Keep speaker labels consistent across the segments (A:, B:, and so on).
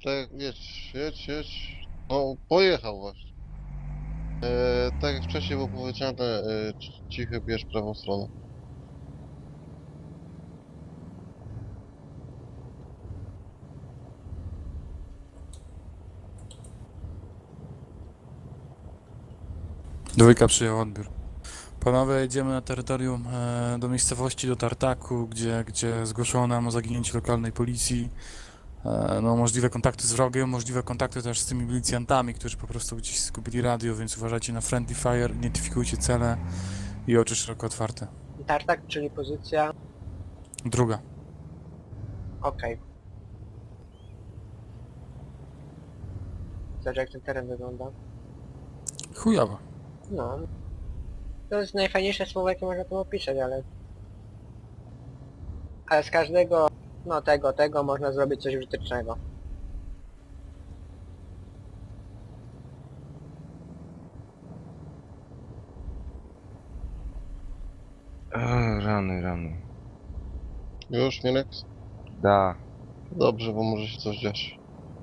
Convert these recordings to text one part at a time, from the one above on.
A: Tak, jedź. No, pojechał właśnie. Tak jak wcześniej było powiedziane, cichy bierz prawą stronę.
B: Dwójka przyjął odbiór. Panowie, jedziemy na terytorium do miejscowości, do Tartaku, gdzie zgłoszono nam o zaginięciu lokalnej policji. No, możliwe kontakty z wrogiem, możliwe kontakty też z tymi milicjantami, którzy po prostu gdzieś zgubili radio, więc uważajcie na friendly fire, identyfikujcie cele i oczy szeroko otwarte.
C: Tartak, czyli pozycja...
B: Druga.
C: Okej. Zobacz jak ten teren wygląda.
B: Chujowo.
C: No. To jest najfajniejsze słowo jakie można tu opisać, ale... Ale z każdego... No tego można zrobić coś użytecznego.
D: Rany.
A: Już, Minek?
D: Da.
A: Dobrze, bo może się coś dziać.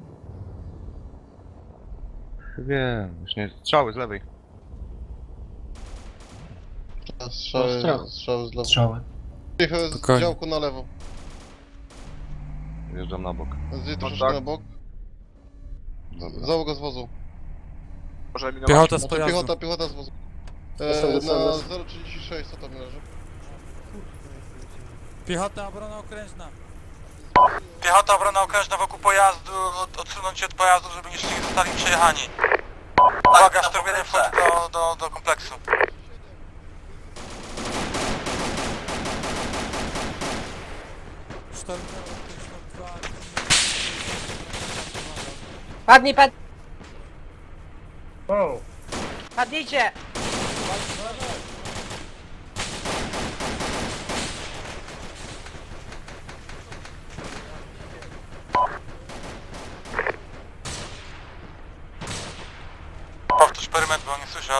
D: Wiem, już nie... Strzały z lewej.
A: A
C: Strzał.
A: strzały z lewo.
E: Strzały.
A: Cichy z
B: Spokojnie.
A: działku na lewo.
D: Wjeżdżam na bok.
A: Zjedź troszeczkę
D: tak.
A: na bok.
D: Dobra.
A: Załoga z wozu.
D: Może eliminować.
B: Piechota z
A: Znaczy
B: pojazdu.
A: piechota z wozu. Na 036, co tam leży?
B: Piechota, obrona okrężna. Piechota, obrona okrężna wokół pojazdu, odsunąć się od pojazdu, żeby jeszcze nie zostali przejechani. Uwaga, sztormienie wchodzi do kompleksu.
C: Padnij! Padnijcie!
B: Powtórz perymetr, bo nie słyszę.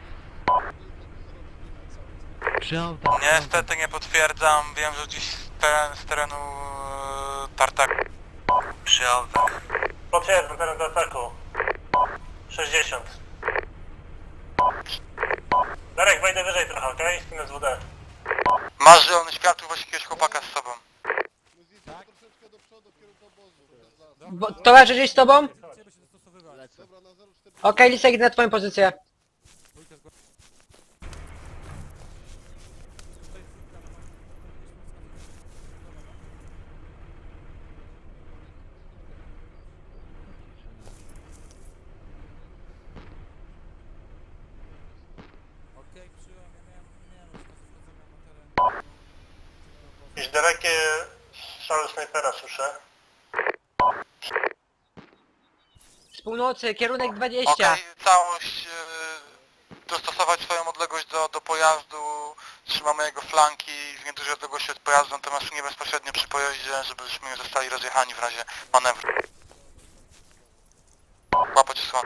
B: Niestety nie potwierdzam, wiem, że gdzieś z terenu Tartaku. Przyjął. Potwierdzam teren Tartaku. 60. Darek, wejdę wyżej trochę, okej? Okay? Spinę z WD. Masz zielony światło, właśnie jakiegoś chłopaka z sobą.
A: Troszeczkę do przodu, w kierunku obozu.
C: Towarzysz jest z tobą?
A: Dobra, na 0,4.
C: Okej, Lisek, idę na twoją pozycję.
B: Jakieś dalekie strzały snajpera słyszę.
C: Z północy, kierunek 20.
B: Okej, całość, dostosować swoją odległość do pojazdu, trzymamy jego flanki w niedużej odległości od pojazdu, natomiast nie bezpośrednio przy pojeździe, żebyśmy nie zostali rozjechani w razie manewru. Łapać osłonę.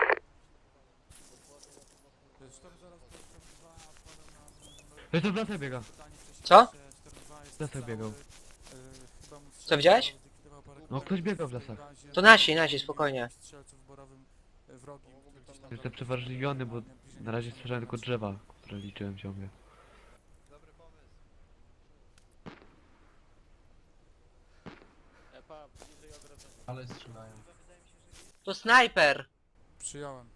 E: To jest w lasach biega.
C: Co?
E: W lasach biegał.
C: Co widziałeś?
E: No ktoś biegał w lasach.
C: To nasi, spokojnie.
E: Jestem przeważliwiony, bo na razie słyszałem tylko drzewa, które liczyłem ciągle.
F: Ale strzelają.
C: To snajper.
B: Przyjąłem.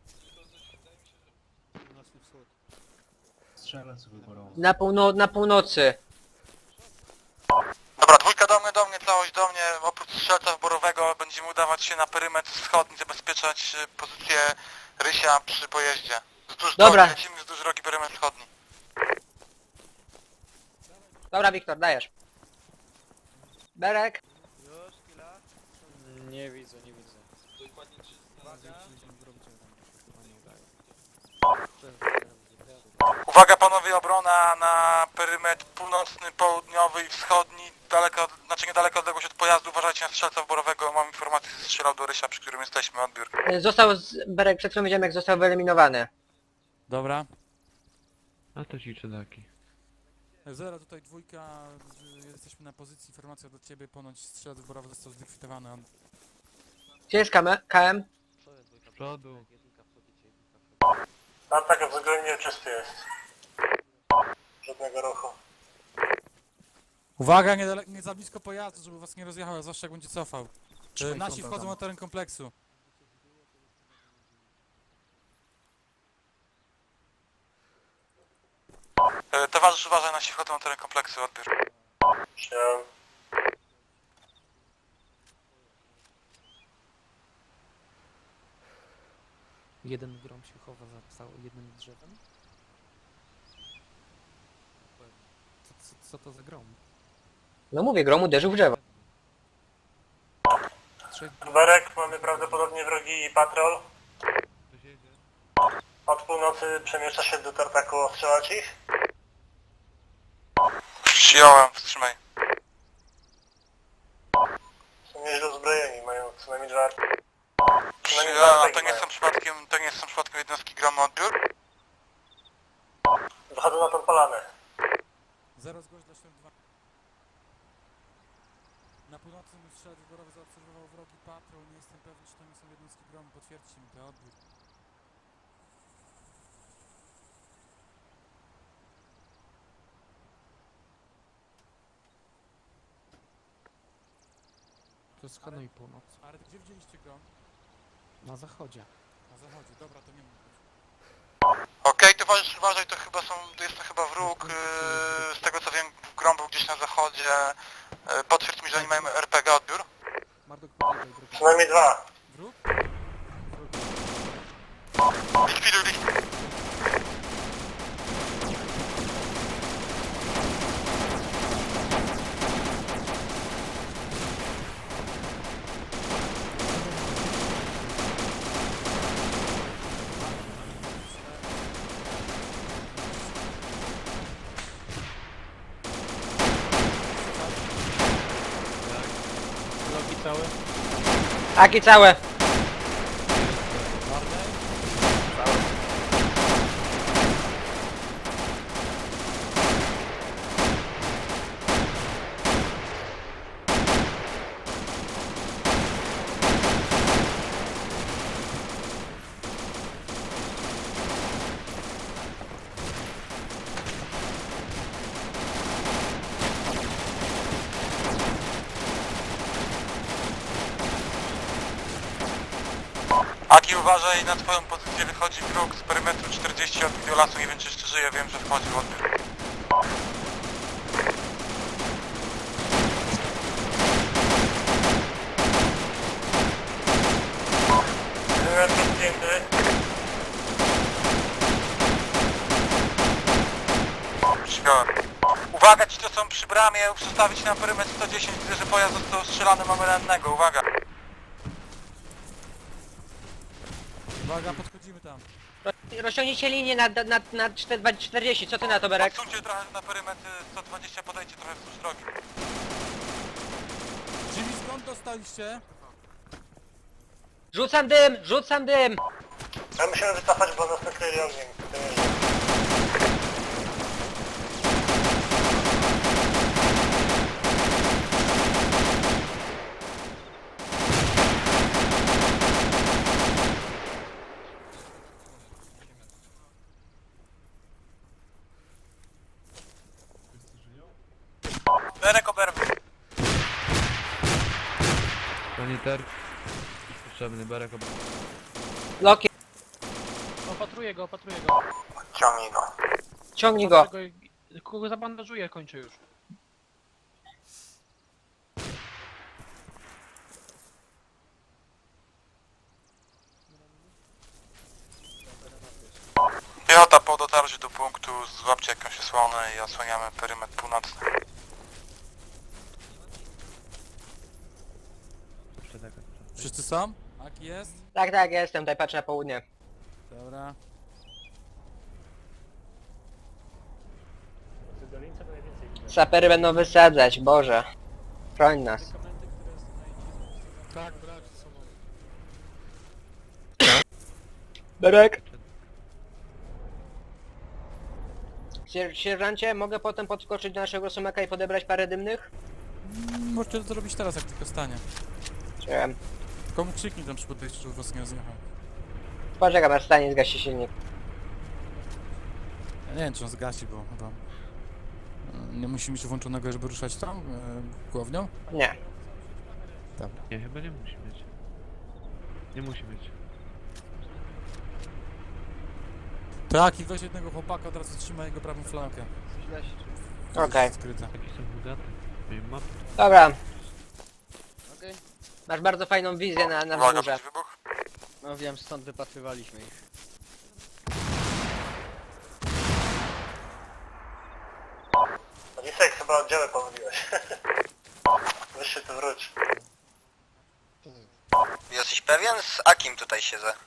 F: Strzelec wyborowy.
C: Na północy.
B: Dobra, dwójka do mnie, całość do mnie, oprócz strzelca wborowego będziemy udawać się na perymetr wschodni, zabezpieczać pozycję Rysia przy pojeździe. Wzdłuż
C: Dobra.
B: drogi, lecimy wzdłuż drogi perymetr wschodni.
C: Dobra, Wiktor, dajesz. Berek.
G: Nie widzę.
B: Uwaga panowie, obrona na perymetr północny, południowy i wschodni, niedaleko odległość od pojazdu, uważajcie na strzelca wborowego, mam informację, że strzelał do Rysia, przy którym jesteśmy, odbiór.
C: Berek, przed chwilą widziałem jak został wyeliminowany.
B: Dobra.
E: A to ci czedaki.
B: Zero, tutaj dwójka, jesteśmy na pozycji, informacja do ciebie, ponoć strzelec wborowy został zlikwidowany.
C: Gdzie jest KM?
E: Z przodu.
G: Tartak względnie czysty jest. Żadnego ruchu.
B: Uwaga, nie za blisko pojazdu, żeby was nie rozjechał, zwłaszcza jak będzie cofał. Nasi wchodzą na teren kompleksu. Towarzysz, uważaj, nasi wchodzą na teren kompleksu, odbiór.
G: Przyjąłem.
H: Jeden grom się chowa za jednym drzewem. Co to za grom?
C: No mówię, grom uderzył w drzewo.
H: Trzech
G: Berek, mamy prawdopodobnie wrogi patrol.
E: Ktoś jedzie.
G: Od północy przemieszcza się do Tartaku, ostrzelać ich.
B: Przyjąłem, wstrzymaj.
G: Są nieźle uzbrojeni, mają co najmniej dwa...
B: Przyjąłem, to nie są przypadkiem jednostki gromu, odbiór?
G: Wychodzą na tą polanę.
B: 0 zgłoś dla świąt 2. Na północnym strzelec wyborowy zaobserwował wrogi patrol, nie jestem pewny, czy to nie są jednostki gromu, potwierdźcie mi to, odbiór.
H: to jest Hanoi północ.
B: Ale gdzie widzieliście grom?
H: Na zachodzie.
B: Na zachodzie, dobra, to nie mógł być.
I: Okej, towarzysz, uważaj, to jest to chyba wróg, z tego co wiem, grom był gdzieś na zachodzie. Potwierdź mi, że oni mają RPG, odbiór.
H: Marduk podjeżdżaj drogą.
G: Co najmniej dwa.
B: Wróg?
I: Likwiduj.
E: Loki całe?
C: Aki całe.
I: Aki, uważaj, na twoją pozycję wychodzi wróg z perymetru 40 od biolasu, nie wiem czy jeszcze żyje, wiem, że wchodzi, odbiór.
G: Wymiar zdjęty.
I: Przyjąłem. Uwaga, ci to są przy bramie, przestawić na perymetr 110, widzę, że pojazd został strzelany, mamy rannego, uwaga.
B: Uwaga, podchodzimy tam.
C: Rozciągnijcie linię na 40, co ty na to, Berek?
I: Odsuńcie trochę na perymetr 120, podejdźcie trochę wzdłuż drogi.
B: Jimmy, skąd dostaliście?
C: Rzucam dym, rzucam dym!
G: Ja musimy wycofać, bo nas nakryli ogniem. To nie jest.
I: Berek oberwy.
E: Saniter. Potrzebny berek.
C: Loki,
F: Opatruję go.
I: Ciągnij go.
C: ciągnij go.
F: Kogo zabandażuję, kończę już.
I: Piechota po dotarciu do punktu, złapcie jakąś osłonę i osłaniamy perymetr północny.
B: Wszyscy są? Aki jest?
C: Tak, jestem, tutaj patrzę na południe.
B: Dobra.
C: Sapery będą wysadzać, Boże. Chroń nas.
B: Tak, brać ze sobą.
C: Berek! Sierżancie, mogę potem podskoczyć do naszego sumaka i podebrać parę dymnych?
B: Możecie to zrobić teraz, jak tylko stanie.
C: Chciałem.
B: Komu krzyknij tam przy podejściu, żeby was nie rozjechał.
C: Poczekam, aż stanie zgasi silnik.
B: Ja nie wiem, czy on zgasi, bo chyba... Nie musi mieć włączonego, żeby ruszać tam, głownią?
C: Nie.
B: Dobra.
E: Nie, chyba nie musi mieć. Nie musi mieć.
B: Tak, i weź jednego chłopaka, od razu trzymaj jego prawą flankę.
C: Okej.
B: Skryte.
E: Taki są bogaty. Nie ma.
C: Dobra. Masz bardzo fajną wizję na
I: Uwaga,
C: wzgórze.
I: będzie wybuch.
H: No wiem, stąd wypatrywaliśmy ich.
G: Lisek, chyba oddziały pomyliłeś. Weź się tu wróć.
I: Jesteś pewien? Z Akim tutaj siedzę.